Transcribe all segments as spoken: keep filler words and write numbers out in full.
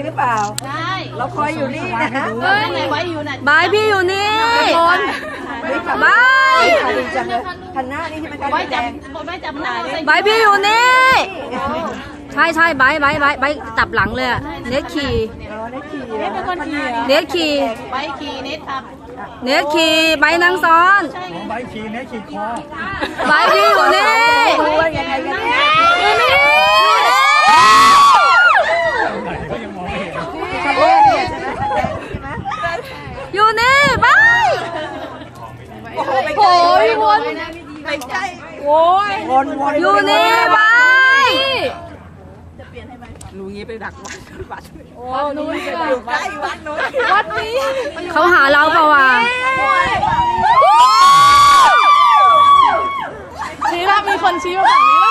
หรือเปล่าใช่เราคอยอยู่นี่นะเฮ้ยไว้อยู่น่ะบายพี่อยู่นี่บายคันหน้านี่ใช่ไหมคะไว้จับไว้จับหน้าบายพี่อยู่นี่ใช่ใช่บายบายบายบายจับหลังเลยเน็ตขี่เน็ตเป็นคนขี่เน็ตขี่บายขี่เน็ตขับเน็ตขี่บายนั่งซ้อนบายขี่เน็ตขี่คอบายพี่อยู่นี่อยู่นี่อยู่นี่บายโอ้ยวนไปใกล้โอ้ยวนวนอยู่นี่บายจะเปลี่ยนให้ไหมรู้งี้ไปดักวัดวัดโอ้นู้นอยู่ใกล้วัดนู้นวัดนี้เขาหาเราเปล่าวะชี้ละมีคนชี้มาฝั่งนี้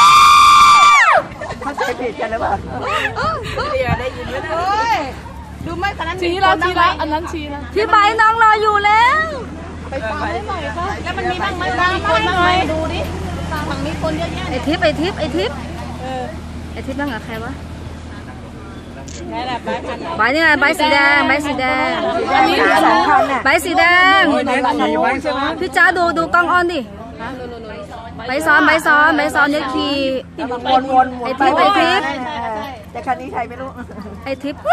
เขาใจผิดกันหรือเปล่าเดี๋ยวได้ยินไหมเนี่ยดูไม่ขนาดชี้แล้วชี้แล้วอันนั้นชี้แล้วที่ใบน้องรออยู่แล้วไปฟังได้หน่อยค่ะแล้วมันมีบ้างไหมบ้างไหมดูดิฝั่งนี้คนเยอะแยะไอทิพย์ไอทิพย์ไอทิพย์ไอทิพย์บ้างกับใครวะใบนี่ไงใบสีแดงใบสีแดงใบสีแดงพี่จ้าดูดูกล้องออนดิใบซ้อนใบซ้อนใบซ้อนเนี่ยขี่วนวนไอทิพย์ไอทิพย์แต่คันนี้ใครไม่รู้ไอทิพย์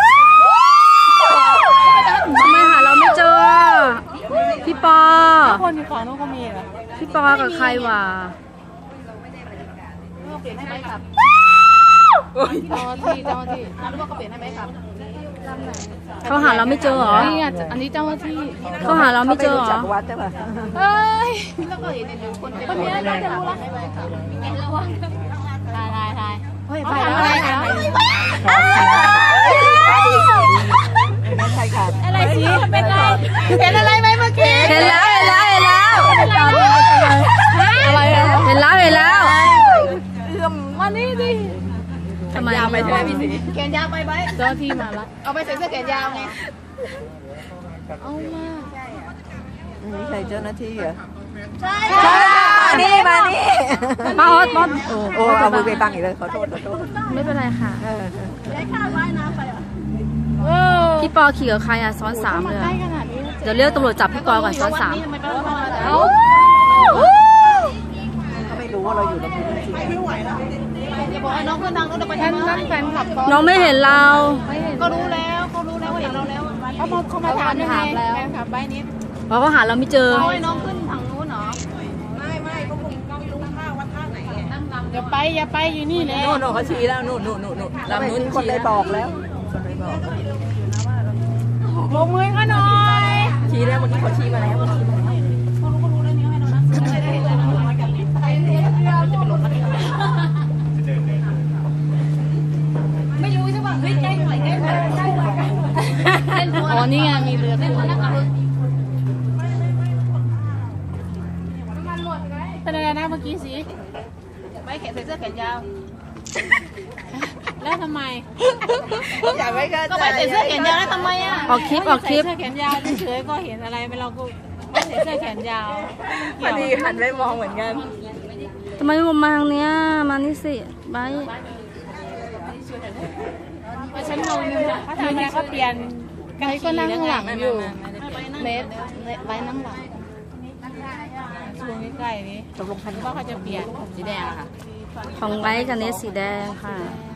ทำไมหาเราไม่เจอพี่ปอคนที่ฝั่งนู้นก็มีเหรอพี่ปอกับใครวะเปลี่ยนให้ไหมครับเจ้าที่เจ้าที่รู้ว่าเขาเปลี่ยนให้ไหมครับเขาหาเราไม่เจอเหรอนี่อันนี้เจ้าที่เขาหาเราไม่เจอเหรอเฮ้ยแล้วก็เห็นคนคนนี้น่าจะรู้ละทายทายทายเฮ้ยไปอะไรคะอะไรสิเป็นไรเห็นอะไรไหมเมื่อกี้เห็นแล้วเห็นแล้วเห็นแล้วอะไรเห็นแล้วเห็นแล้วเอื้อมมานี่ดิทำไมยาวไปใช่ไหมพี่สีแขนยาวไปไหมเจ้าที่มาละเอาไปใส่เสื้อแขนยาวไงเอามานี่ใครเจ้าหน้าที่เหรอใช่มานี่มานี่มาออดบอสโอ้เอามือไปบังอีกเลยขอโทษขอโทษไม่เป็นไรค่ะได้ค่าว่ายน้ำไปอ่ะพี่ปอขี่กับใครอ่ะซ้อนสามเลยเดี๋ยวเรียกตำรวจจับพี่ปอก่อนซ้อนสามเขาไม่รู้ว่าเราอยู่ในพื้นที่ไม่ไหวแล้วจะบอกให้น้องขึ้นดังรถไปทำไมแฟนคลับน้องไม่เห็นเราก็รู้แล้วเขารู้แล้วว่าเห็นเราแล้วเขามาเขามาถามถามแล้วแฟนคลับใบนี้เพราะเขาหาเราไม่เจอเขาให้น้องขึ้นทางนู้นเหรอไม่ไม่เขาคงไม่รู้ท่าว่าท่าไหนอย่าไปอย่าไปอยู่นี่เลยโน่นเขาชี้แล้วโน่นโน่นโน่นโน่นลำนู้นคนได้บอกแล้วลงมือก็หน่อยชี้แล้วเมื่อกี้เขาชี้มาแล้วเขารู้เขารู้แล้วนี่ให้เรานะไม่รู้ใช่ป่ะเฮ้ยใกล้หน่อยใกล้หน่อยใกล้หน่อยอ๋อนี่ไงมีเรือเล่นนักเป็นอะไรนะเมื่อกี้สิไม่แขนใส่เสื้อแขนยาวแล้วทำไมอยากไม่เข้าใจก็ไปใส่เสื้อแขนยาวแล้วทำไมอ่ะออกคลิปออกคลิปใส่เสื้อแขนยาวเฉยๆก็เห็นอะไรไม่เราก็ไม่ใส่เสื้อแขนยาวพอดีหันไปมองเหมือนกันทำไมมามาทางเนี้ยมานี่สิไปฉันงงเขาทำอะไรเขาเปลี่ยนไกด์ก็นั่งหลังอยู่เนสไว้นั่งหลังช่วงใกล้ๆนี้ตกลงคันว่าเขาจะเปลี่ยนสีแดงค่ะของไว้กับเนสสีแดงค่ะ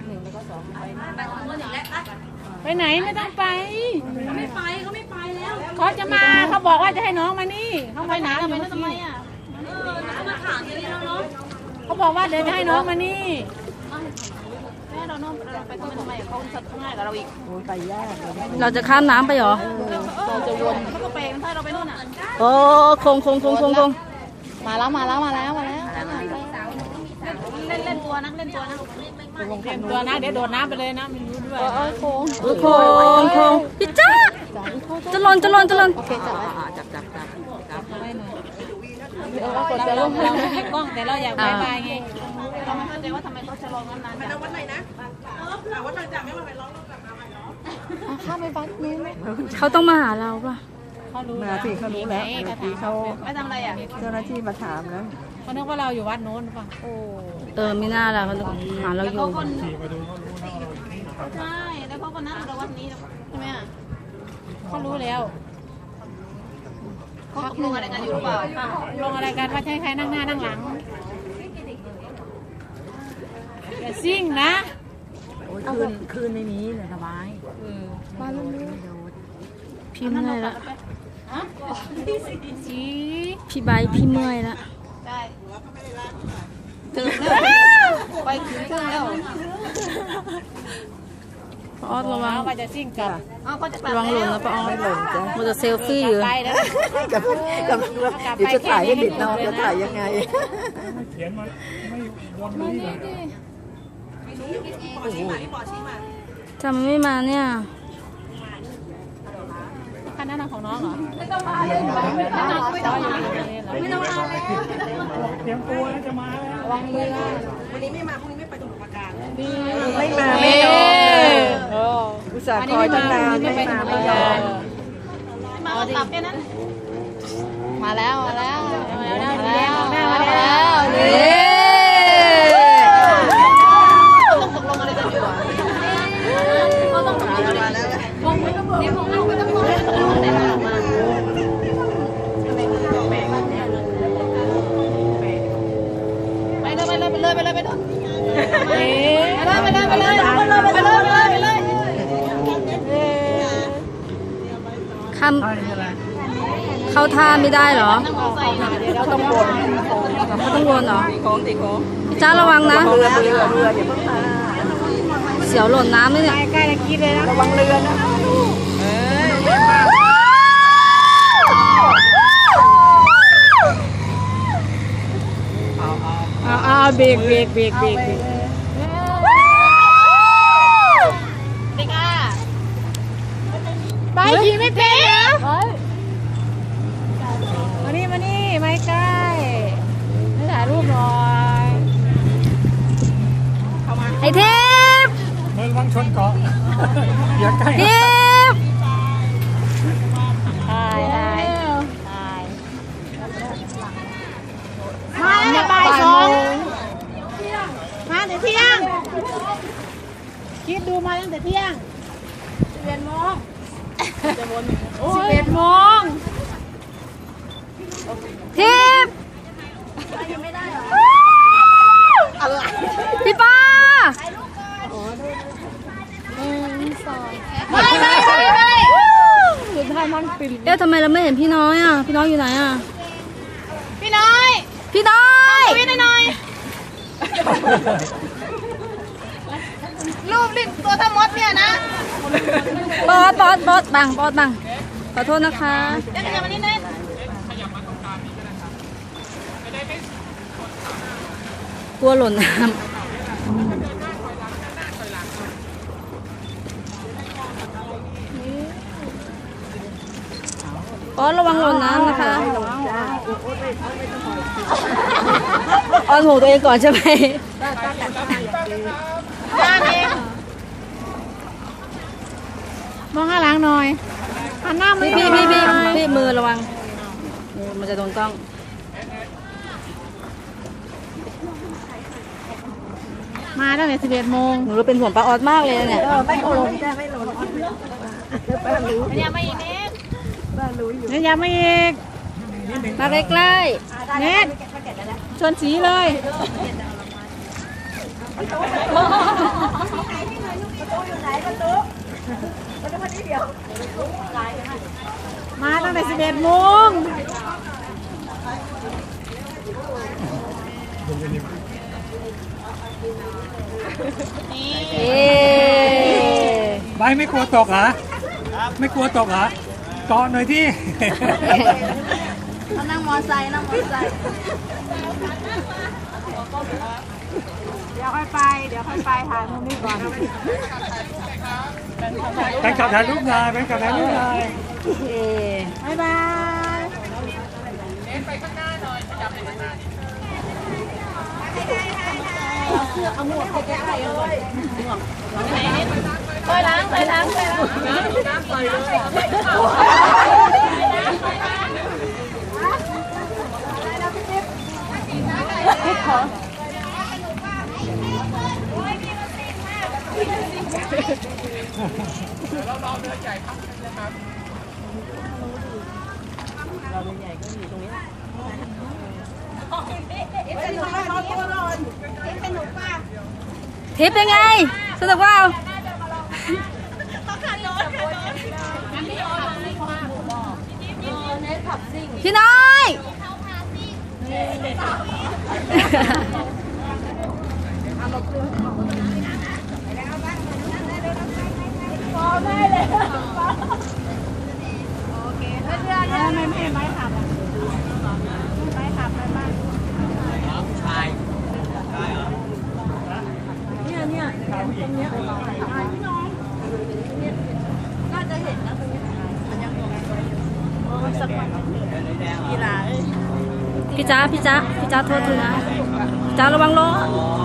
ไปไหนไม่ต้องไปเขาไม่ไปเขาไม่ไปแล้วเขาจะมาเขาบอกว่าจะให้น้องมานี่เขาไปไหนทำไมทำไมอ่ะเออมาถามอย่างนี้แล้วเนาะเขาบอกว่าเดี๋ยวจะให้น้องมานี่แม่เราน้องไปทำไมทำไมเขาจะง่ายกับเราอีกไปยากเราจะข้ามน้ำไปเหรอเราจะวนเขาก็ไปถ้าเราไปนู่นอ่ะโอ้คงคงคงคงคงมาแล้วมาแล้วมาแล้วมาแล้วเล่นเล่นตัวนะเล่นตัวนะเล่นตัวนะเดี๋ยวโดดน้ำไปเลยนะมันรู้ด้วยโอ้โค้งโค้งโค้งพี่จ้าจะหล่นจะหล่นจะหล่นโอเคจับจับจับจับจับไว้หน่อยเราเราเราไม่ให้กล้องแต่เราอยากบายบายไงเราไม่เข้าใจว่าทำไมเขาจะลองนานๆไปวัดไหนนะวัดจับไม่มาไปร้องกลับมาใหม่เนาะข้ามไปวัดนี้ไหมเขาต้องมาหาเราป่ะเขารู้มาสิเขารู้แล้วเขาไม่ทำอะไรอ่ะเจ้าหน้าที่มาถามแล้วเขาคิดว่าเราอยู่วัดโน้นป่ะโอ้เออไม่น่าละเขาหาเราอยู่ใช่แล้วเขาก็นั่งเราวันนี้ใช่ไหมอ่ะเขารู้แล้วเขาตกลงอะไรกันอยู่หรือเปล่าลงอะไรกันว่าใช้ใครนั่งหน้านั่งหลังอย่าซิ่งนะคืนคืนในนี้เลยสบายมาลุ้นพี่เมื่อยละสีพี่ใบพี่เมื่อยละได้ถึงแล้วไปถึงเครื่องแล้วป้าออดระวังว่าจะซิ่งกลับอ้าวเขาจะกลับระวังหล่นนะป้าออดมันจะเซลฟี่อยู่ไปนะกับกับเดี๋ยวจะถ่ายให้เด็กน้องจะถ่ายยังไงเขียนมาไม่วนนี้เลยทำไมไม่มาเนี่ยคันนั้นของน้องเหรอไม่ต้องมาเลยไม่ต้องมาเลยไม่ต้องมาเลยเตรียมตัวแล้วจะมาแล้ววางมือไม่มาไม่ไม่ยอมอุตส่าห์คอยตั้งนานไม่ไม่ไปมาไม่ไม่ยยออมมมาเรากลับแค่นั้นมาแล้วมาแล้วมาแล้วมาแล้วมามาแล้แล้ว วเย้ต้องตกลงอะไรกันอยู่เขาต้องตกลงอะไรกันมองไม่ต้องบอกมองไม่ต้องบอกตกลงอะไรกันมาไปเลยไปเลยไปเลยไปเลยไปเลยเอ๊ะไปเลยไปเลยไปเลยไปเลยไปเลยไปเลยคำเข้าท่าไม่ได้เหรอนั่งมอไซค์เขาต้องวนเขาต้องวนเหรอของติของพี่จ้าระวังนะเรือเรือเรืออย่าเพิ่งมาเสียวหล่นน้ำเลยเนี่ยใกล้จะกินเลยนะระวังเรือนะเอาเอาเบรกเบรกเบรกเบรกเด็กอ่ะไปขี่ไม่เป็นเหรอมานี่มานี่ไม่ใกล้ไม่ถ่ายรูปหน่อยไอเทพเมืองวังชนเกาะอย่าใกล้เทพถ่ายถ่ายถ่ายมาแล้วบ่ายสองมาแต่เที่ยงคิดดูมาตั้งแต่เที่ยงสิบเอ็ดโมงสิบเอ็ดโมงเทพพี่ป้าไม่ไม่ไม่ไม่สุดท้ายมันปิดเอ๊ะทำไมเราไม่เห็นพี่น้อยอ่ะ พี่น้อยอยู่ไหนอ่ะพี่น้อยพี่น้อยพี่น้อยรูปลิ้นตัวทั้งมดเนี่ยนะบอสบอสบอสบังบอสบังขอโทษนะคะเดี๋ยวขยับมานิดนึงกลัวหล่นน้ำบอสระวังหล่นน้ำนะคะออนหูตัวเองก่อนใช่ไหมด้านเองมองข้างหลังหน่อยหันหน้ามือพี่พี่พี่พี่พี่มือระวังมือมันจะโดนกล้องมาตั้งแต่สิบเอ็ดโมงหนูเราเป็นห่วงป้าออสมากเลยนะเนี่ยไม่โอนจ้ไม่โอนขยับมาอีกนิดเนี่ยยังไม่อีกมาใกล้เน็ตชนสีเลย มาตั้งแต่สิบเอ็ดโมงนี่ๆเอ๊ใบไม่กลัวตกเหรอไม่กลัวตกเหรอเกาะหน่อยที่เขานั่งมอไซค์นั่งมอไซค์เดี๋ยวค่อยไป เดี๋ยวค่อยไปถ่ายมุมนี้ก่อนแฟนคลับถ่ายรูปนายแฟนคลับถ่ายรูปนายเอ๊ะบ๊ายบายไปล้างไปล้างไปล้างเทริปเป็นไงสนุกเปล่าพี่น้อยไม่ไม่ไม่ขับไม่ขับไปบ้านเนี่ยเนี่ยตรงเนี้ยพี่น้องน่าจะเห็นนะตรงนี้สักวันกีฬาเอ้ยพี่จ้าพี่จ้าพี่จ้าโทษทีนะพี่จ้าระวังรถ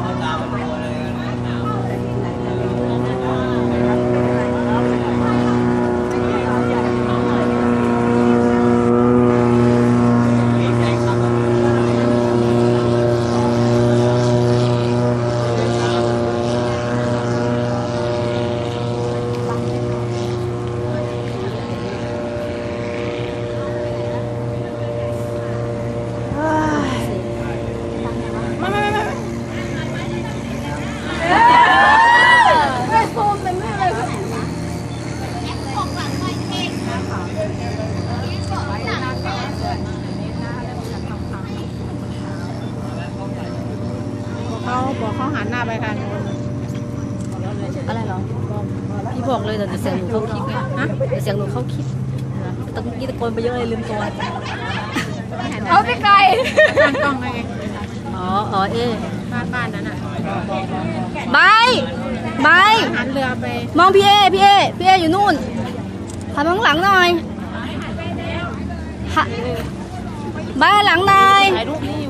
เขาบอกเขาหันหน้าไปทางโน้นอะไรหรอพี่บอกเลยเดี๋ยวเสียงหนูเข้าคลิปไงฮะเดี๋ยวเสียงหนูเข้าคลิปตะกี้ตะโกนไปเยอะเลยลืมตัวเอาไปไกลตั้งกล้องไงอ๋ออ๋อเอ๊ะบ้านบ้านนั้นอ่ะใบใบหันเรือไปมองพี่เอพี่เอพี่เออยู่นู่นหันมองหลังหน่อยฮะใบหลังหน่อยถ่ายรูปนี่